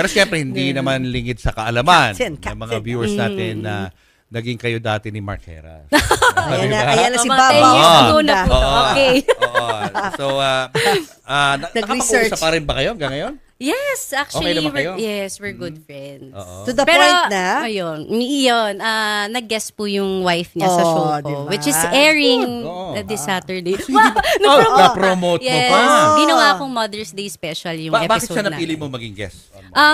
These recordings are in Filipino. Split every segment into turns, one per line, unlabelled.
Pero siyempre, hindi naman lingid sa kaalaman
Captain.
ng mga viewers natin na naging kayo dati ni Mark Heras.
Ayan na si
Mga 10
Baba.
years ago na po.
Oo.
Okay.
Oo. So, nakapag-uusap pa rin ba kayo hanggang ngayon?
Yes, actually,
Okay naman kayo?
we're good friends.
Oo.
To the
Pero,
point na?
ayun, nag-guest po yung wife niya sa show ko,
diba?
which is airing
Oo.
This Saturday.
Na-promote mo
Yes,
pa.
ginawa kong Mother's Day special yung
Bakit
episode
siya napili
natin.
mo maging guest?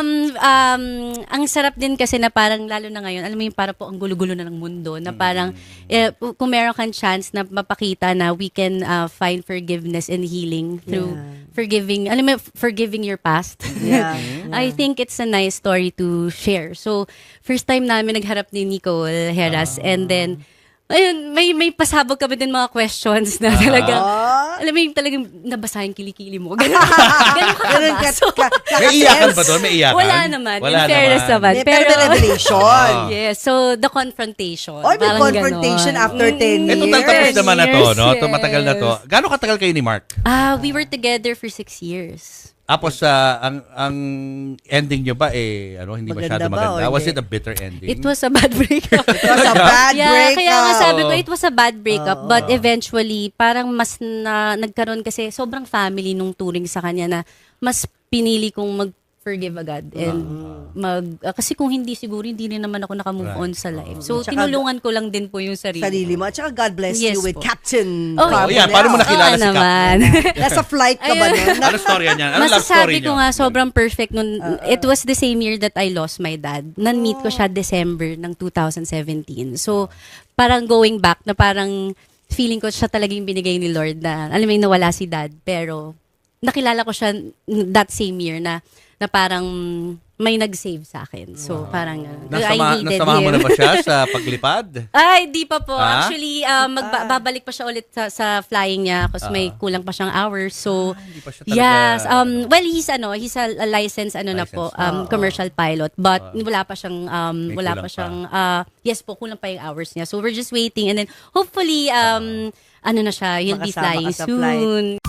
Ang sarap din kasi na parang lalo na ngayon, alam mo yung para po ang gulo-gulo na ng mundo na parang kung meron kang chance na mapakita na we can find forgiveness and healing through forgiving your past.
Yeah.
I think it's a nice story to share. So, first time namin nagharap ni Nicole Heras and then ayun, may pasabog kami din mga questions na talagang, alam mo yung talagang nabasahin kilikili mo. Ganun ka.
May iyakan ba doon? May iyakan?
Wala naman.
Wala
In fairness naman.
Pero may revelation.
Yes. So, the confrontation.
Oy, may
Parang
confrontation
ganon.
after 10 years.
Total tapos naman na to, no?
Yes.
Matagal na to. Gano'ng katagal kayo ni Mark?
We were together for 6 years.
Tapos, ang ending nyo ba, hindi masyado
Maganda ba o
maganda? Was
hindi?
it a bitter ending?
It was a bad breakup.
It was a bad breakup.
Kaya nga sabi ko, it was a bad breakup. But eventually, parang mas nagkaroon kasi sobrang family nung turing sa kanya na mas pinili kong mag-forgive agad. And kasi kung hindi siguro, hindi rin naman ako nakamove on sa life. So,
Tsaka,
tinulungan ko lang din po yung sarili.
Sarili mo. At saka God bless
Yes
you with
po.
Captain
Oh,
Oh, yeah. Paano mo nakilala si
naman.
Nasa flight ka ba nun?
Ano storya niya? Ano love story
Masasabi
niyo?
ko nga, sobrang perfect nun. It was the same year that I lost my dad. Nan-meet ko siya December ng 2017. So, parang going back na parang feeling ko siya talagang binigay ni Lord na, alam mo yung nawala si dad. Pero, nakilala ko siya that same year na parang may nag-save sa akin. So, parang I needed
Nasamahan mo
him.
na ba siya sa paglipad?
Ay, di pa po.
Ah?
Actually, babalik pa siya ulit sa flying niya kasi may kulang pa siyang hours. So,
Hindi pa siya talaga...
yes. Well, he's a licensed na po, commercial pilot. But wala pa siyang,
kulang
yes po, kulang pa yung hours niya. So, we're just waiting. And then, hopefully, ano na siya, he'll be
Makasama
flying
ka sa flight.
soon.